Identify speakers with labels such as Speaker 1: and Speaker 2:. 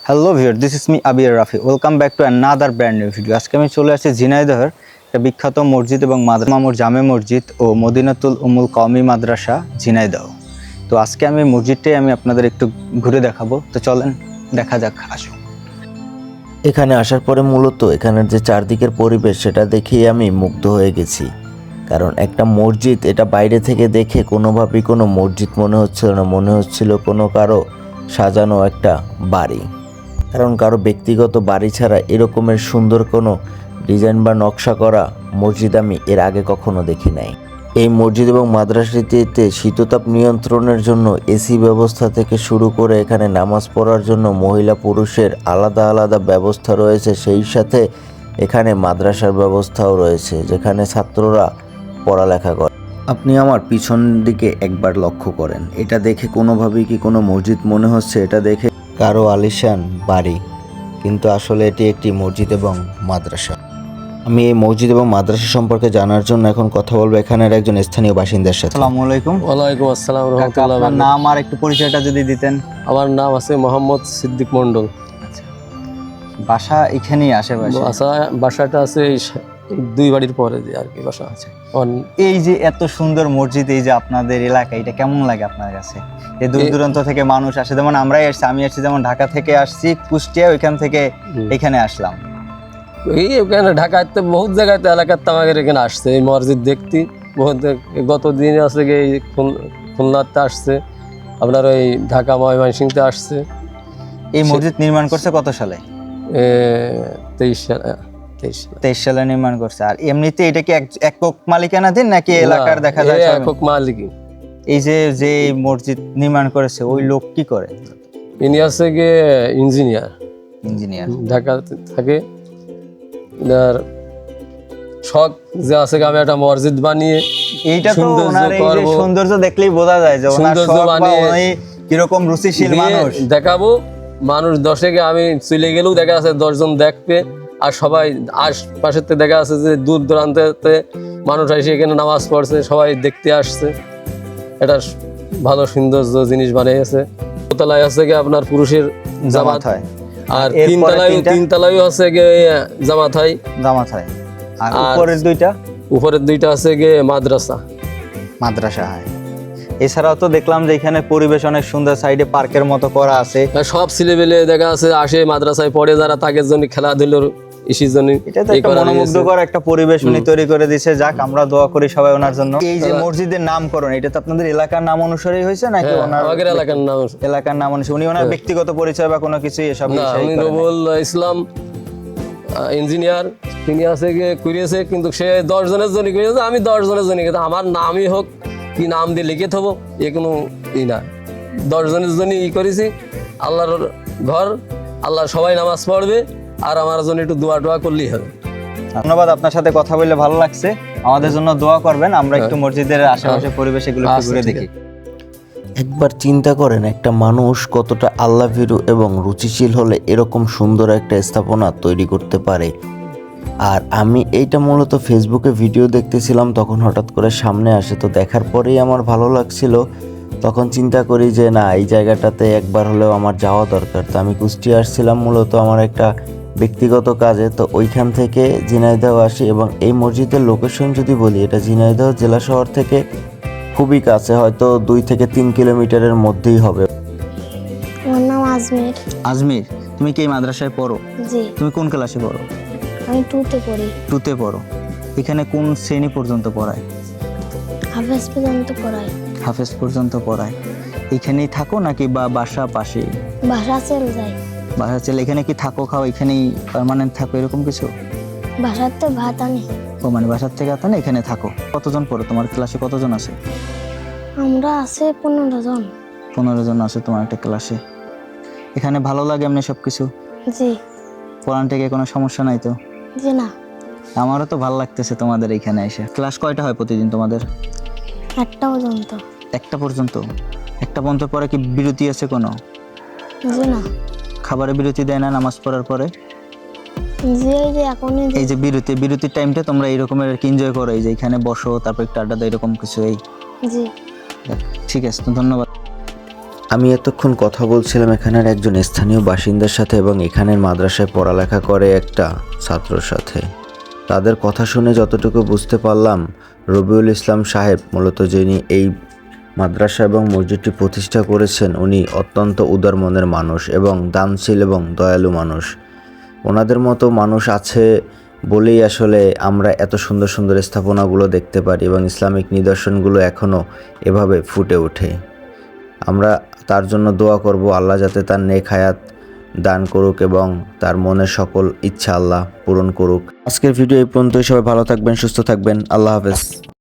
Speaker 1: Hello viewer, this is me Abir Rafi. Welcome back to another brand new video. আজকে আমি চলে আসছি ঝিনাইদহের একটা বিখ্যাত মসজিদ এবং মামুর জামে মসজিদ ও মদিনাতুল উমুল কওমি মাদ্রাসা ঝিনাইদহ। তো আজকে আমি মসজিদটাই আপনাদের একটু ঘুরে দেখাবো। তো চলেন দেখা যাক, আসুন।
Speaker 2: এখানে আসার পরে মূলত এখানের যে চারদিকের পরিবেশ সেটা দেখেই আমি মুগ্ধ হয়ে গেছি। কারণ একটা মসজিদ, এটা বাইরে থেকে দেখে কোনোভাবেই কোনো মসজিদ মনে হচ্ছিল না, মনে হচ্ছিল কোনো কারো সাজানো একটা বাড়ি। কারণ কারো ব্যক্তিগত বাড়ি ছাড়া এরকমের সুন্দর কোনো ডিজাইন বা নকশা করা মসজিদ আমি এর আগে কখনো দেখি নাই। এই মসজিদ এবং মাদ্রাসাটিতে শীততাপ নিয়ন্ত্রণের জন্য এসি ব্যবস্থা থেকে শুরু করে এখানে নামাজ পড়ার জন্য মহিলা পুরুষের আলাদা আলাদা ব্যবস্থা রয়েছে। সেই সাথে এখানে মাদ্রাসার ব্যবস্থাও রয়েছে, যেখানে ছাত্ররা পড়ালেখা করে। আপনি আমার পিছন দিকে একবার লক্ষ্য করেন, এটা দেখে কোনোভাবেই কি কোনো মসজিদ মনে হচ্ছে? এটা দেখে কারো আলিশান বাড়ি, কিন্তু আসলে এটি একটি মসজিদ এবং মাদ্রাসা। আমি এই মসজিদ এবং মাদ্রাসা সম্পর্কে জানার জন্য এখন কথা বলবো এখানের একজন স্থানীয় বাসিন্দার সাথে।
Speaker 1: আসসালামু আলাইকুম।
Speaker 3: ওয়ালাইকুম আসসালাম
Speaker 1: কাকা,
Speaker 3: রহমতুল্লাহ।
Speaker 1: আপনার নাম আর একটু পরিচয়টা যদি দিতেন।
Speaker 3: আমার নাম আছে মোহাম্মদ সিদ্দিক মন্ডল।
Speaker 1: আচ্ছা, বাসা এখানেই আশেপাশে?
Speaker 3: বাসাটা আছে এই দুই বাড়ির পরে যে আর কি বাসা আছে।
Speaker 1: এই যে এত সুন্দর মসজিদ, এই যে আপনাদের এলাকা, এটা কেমন লাগে আপনার কাছে? এই দূর দূরান্ত থেকে মানুষ আসে, যেমন আমরাই আসছি, আমি আসছি যেমন ঢাকা থেকে আসছি কুষ্টিয়া, ওইখান থেকে এখানে আসলাম।
Speaker 3: এই ওখানে ঢাকাতে বহুত জায়গাতে এলাকার আমাদের এখানে আসছে এই মসজিদ দেখতে। বহুত গত দিন আছে গিয়ে এই খুলনাতে আসছে, আপনার ওই ঢাকা ময়মনসিংহতে আসছে।
Speaker 1: এই মসজিদ নির্মাণ করছে কত সালে? 23 সালে নির্মাণ করছে। আর এমনিতে এটা কি একক মালিকানাধীন নাকি এলাকার দেখা যায়
Speaker 3: একক মালিক?
Speaker 1: এই যে মসজিদ নির্মাণ করেছে ওই লোক কি করে?
Speaker 3: ইনি আছে গিয়ে ইঞ্জিনিয়ার, ঢাকাতে থাকে। আর শখ যে আছে আমি একটা মসজিদ বানিয়ে
Speaker 1: এইটা তো ওনার এই যে সৌন্দর্য দেখলেই বোঝা যায় যে ওনার শখ বা উনি কিরকম রুচিশীল মানুষ।
Speaker 3: দেখাবো মানুষ দশেকে, আমি চলে গেলেও দেখা আছে 10 জন দেখবে। আর সবাই আশপাশের থেকে দেখা আছে যে দূর দূরান্তে মানুষ এসে এখানে নামাজ পড়ছে, সবাই দেখতে আসছে। এটা ভালো সৌন্দর্য জিনিস বানিয়েছে। দোতলায় আছে গিয়ে আপনার পুরুষের জামাত হয়, আর তিনতলায় আছে গিয়ে জামাত হয়।
Speaker 1: আর উপরের দুইটা
Speaker 3: আছে গিয়ে মাদ্রাসা
Speaker 1: হয়। এছাড়াও তো দেখলাম যে এখানে পরিবেশ অনেক সুন্দর, সাইডে পার্কের মতো করা আছে।
Speaker 3: সব ছেলেবেলে দেখা আছে আসে মাদ্রাসায় পড়ে, যারা তাদের জন্য খেলাধুলোর ইসির জন্য।
Speaker 1: এটা তো একটা মনোমুগ্ধকর একটা পরিবেশ উনি তৈরি করে দিয়েছে। যাক, আমরা দোয়া করি সবাই ওনার জন্য। এই যে মসজিদের নামকরণ, এটা তো আপনাদের এলাকার নাম অনুসারেই হয়েছে নাকি ওনার এলাকার নাম অনুসারে? উনি ওনার ব্যক্তিগত পরিচয় বা কোনো কিছু এসব?
Speaker 3: উনি রবুল ইসলাম ইঞ্জিনিয়ার, তিনি আছে গিয়ে করিয়েছে, কিন্তু সে 10 জনের জন্য করিয়েছে, আমি 10 জনের জন্য। কিন্তু আমার নামই হোক কি নাম দিয়ে লিখে থবো এ কোনো ই না। 10 জনের জন্য করেছি। আল্লাহর ঘর, আল্লাহ সবাই নামাজ পড়বে, আর আমার জন্য একটু দোয়া টোয়া করলেই হবে।
Speaker 1: ধন্যবাদ, আপনার সাথে কথা বলে ভালো লাগছে। আমাদের জন্য দোয়া করবেন, আমরা একটু মসজিদের আশেপাশে পরিবেশ এগুলো ঘুরে দেখি।
Speaker 2: একবার চিন্তা করেন, একটা মানুষ কতটা আল্লাহভীরু এবং রুচিশীল হলে এরকম সুন্দর একটা স্থাপনা তৈরি করতে পারে। আর আমি এইটা মূলত ফেসবুকে ভিডিও দেখতেছিলাম, তখন হঠাৎ করে সামনে আসে। তো দেখার পরেই আমার ভালো লাগছিল। তখন চিন্তা করি যে না, এই জায়গাটাতে একবার হলেও আমার যাওয়া দরকার। তো আমি কুষ্টিয়া আসছিলাম মূলত আমার একটা ব্যক্তিগত কাজে। তো ওইখান থেকে ঝিনাইদহ আসি, এবং এই মসজিদের লোকেশন যদি বলি, এটা ঝিনাইদহ জেলা শহর থেকে খুবই কাছে, হয়তো 2 থেকে 3 কিলোমিটারের মধ্যেই হবে।
Speaker 4: আমার নাম আজমির।
Speaker 1: আজমির, তুমি কি এই মাদ্রাসায় পড়ো?
Speaker 4: জি।
Speaker 1: তুমি কোন ক্লাসে পড়ো?
Speaker 4: আমি 2তে পড়ি।
Speaker 1: 2তে পড়ো। এখানে কোন শ্রেণী পর্যন্ত পড়ায়?
Speaker 4: হাফেজ পর্যন্ত পড়াই।
Speaker 1: হাফেজ পর্যন্ত পড়ায়। এখানেই থাকো নাকি বা বাসা পাশে?
Speaker 4: বাসা চলে যাই।
Speaker 1: বাসা চলে। এখানে কি থাকো খাও এখানেই পার্মানেন্ট থাকো এরকম কিছু?
Speaker 4: বাসাতে ভাত আনি।
Speaker 1: ও মানে বাসার থেকে আতা না, এখানে থাকো। কতজন পড়ো? তোমার ক্লাসে কতজন আছে?
Speaker 4: আমরা আছে 15 জন।
Speaker 1: 15 জন আছে তোমার একটা ক্লাসে। এখানে ভালো লাগে এমনি সব কিছু?
Speaker 4: জি।
Speaker 1: পড়ান থেকে কোনো সমস্যা নাই তো?
Speaker 4: জি না।
Speaker 1: আমারও তো ভালো লাগতেছে তোমাদের এখানে এসে। ক্লাস কয়টা হয় প্রতিদিন তোমাদের?
Speaker 4: 1টা পর্যন্ত।
Speaker 1: 1টা পর্যন্ত? 1টা পর্যন্ত পরে কি বিরতি আছে কোনো?
Speaker 4: জি না।
Speaker 1: খাবারের বিরতি দেয় না নামাজ পড়ার পরে?
Speaker 4: জি, এই যে এখনই
Speaker 1: এই যে বিরতির টাইমটা তোমরা এইরকমের এনজয় করো, এই যে এখানে বসো তারপর একটু আড্ডা দাও, এরকম কিছু? এই
Speaker 4: জি।
Speaker 1: ঠিক আছে, তো ধন্যবাদ।
Speaker 2: আমি এতক্ষণ কথা বলছিলাম এখানের একজন স্থানীয় বাসিন্দার সাথে এবং এখানের মাদ্রাসায় পড়ালেখা করে একটা ছাত্রর সাথে। তাদের কথা শুনে যতটুকু বুঝতে পারলাম, রবিউল ইসলাম সাহেব মূলত যিনি এই মাদ্রাসা এবং মসজিদটি প্রতিষ্ঠা করেছেন, উনি অত্যন্ত উদার মনের মানুষ এবং দানশীল এবং দয়ালু মানুষ। ওনাদের মতো মানুষ আছে বলেই আসলে আমরা এত সুন্দর সুন্দর স্থাপনাগুলো দেখতে পারি এবং ইসলামিক নিদর্শনগুলো এখনও এভাবে ফুটে ওঠে। আমরা তার জন্য দোয়া করব, আল্লাহ যাতে তার নেক হায়াত দান করুক এবং তার মনের সকল ইচ্ছা আল্লাহ পূরণ করুক। আজকের ভিডিও এই পর্যন্তই। সবাই ভালো থাকবেন, সুস্থ থাকবেন। আল্লাহ হাফেজ।